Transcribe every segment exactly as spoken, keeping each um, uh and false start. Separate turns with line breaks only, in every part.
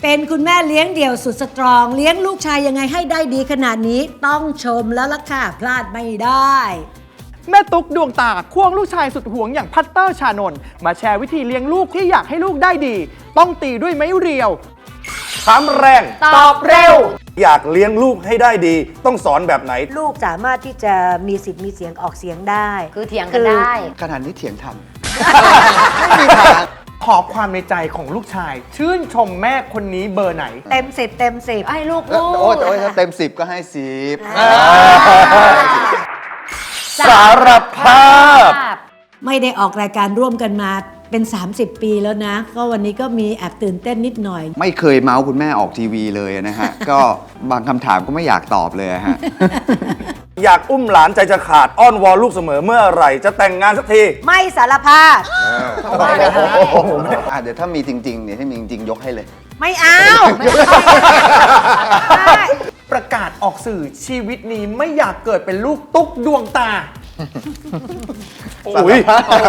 เป็นคุณแม่เลี้ยงเดี่ยวสุดสตรองเลี้ยงลูกชายยังไงให้ได้ดีขนาดนี้ต้องชมแล้วล่ะค่ะพลาดไม่ได้
แม่ตุ๊กดวงตาควงลูกชายสุดหวงอย่างพัตเตอร์ชานนท์มาแชร์วิธีเลี้ยงลูกที่อยากให้ลูกได้ดี ต้องตีด้วยไม้เรียว
ถามแรง
ตอบเร็ว
อยากเลี้ยงลูกให้ได้ดี ต้องสอนแบบไหน
ลูกสามารถที่จะมีสิทธิ์มีเสียงออกเสียงได้
คือเถียงกันได้
ขนาดนี้เถียงทัน
ขอความในใจของลูกชาย ชื่นชมแม่คนนี้เบอร์ไหน
เต็มสิบเต็มสิบ
ให้ลูก
โอ้
พู
โอ้
ด
โอ้ถ้าเต็มสิบก็ให้สิบ
สารภาพ
ไม่ได้ออกรายการร่วมกันมาเป็น สามสิบ ปีแล้วนะ ก็วันนี้ก็มีแอบตื่นเต้นนิดหน่อย
ไม่เคยเมาส์คุณแม่ออกทีวีเลยนะฮะ ก็บางคำถามก็ไม่อยากตอบเลยฮะ
อยากอุ้มหลานใจจะขาดอ้อนวอนลูกเสมอเมื่อไหร่จะแต่งงานสักที
ไม่สารภาพ
อ่ะเดี๋ยวถ้ามีจริงๆเนี่ยถ้ามีจริงๆยกให้เลย
ไม่เอา
ประกาศออกสื่อชีวิตนี้ไม่อยากเกิดเป็นลูกตุ๊กดวงตา
อุ้ย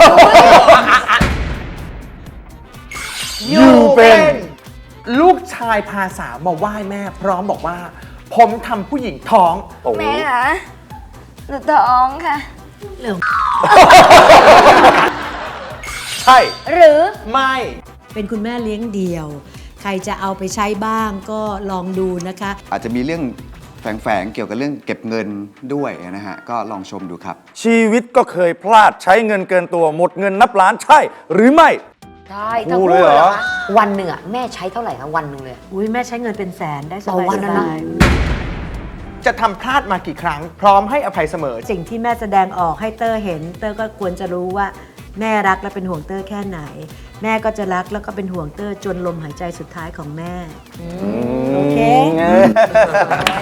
อยู่เป็นลูกชายพาสาวมาไหว้แม่ พร้อมบอกว่า ผมทำผู้หญิงท้อง
โอ้โห
แม่คะหนูท้องค่ะ
เรื่อง
ใช่
หรือ
ไม่
เป็นคุณแม่เลี้ยงเดี่ยว ใครจะเอาไปใช้บ้างก็ลองดูนะคะ
อาจจะมีเรื่องแฝงๆเกี่ยวกับเรื่องเก็บเงินด้วยนะฮะ ก็ลองชมดูครับ
ชีวิตก็เคยพลาดใช้เงินเกินตัวหมดเงินนับล้านใช่ หรือไม่
ใช่ทั้ง
พูด
คู่
เลยเหรอ
เหรอคะวันหนึ่งอะแม่ใช้เท่าไหร่คะวันหนึ่งเลย
อุ้ยแม่ใช้เงินเป็นแสนได้ส
ต่อบ
าย
วันนะนะ
จะทำพลาดมากี่ครั้ง พร้อมให้อภัยเสมอ
สิ่งที่แม่แสดงออกให้เตอร์เห็น เตอร์ก็ควรจะรู้ว่าแม่รักและเป็นห่วงเตอร์แค่ไหน แม่ก็จะรักแล้วก็เป็นห่วงเตอร์จนลมหายใจสุดท้ายของแม่ โอเค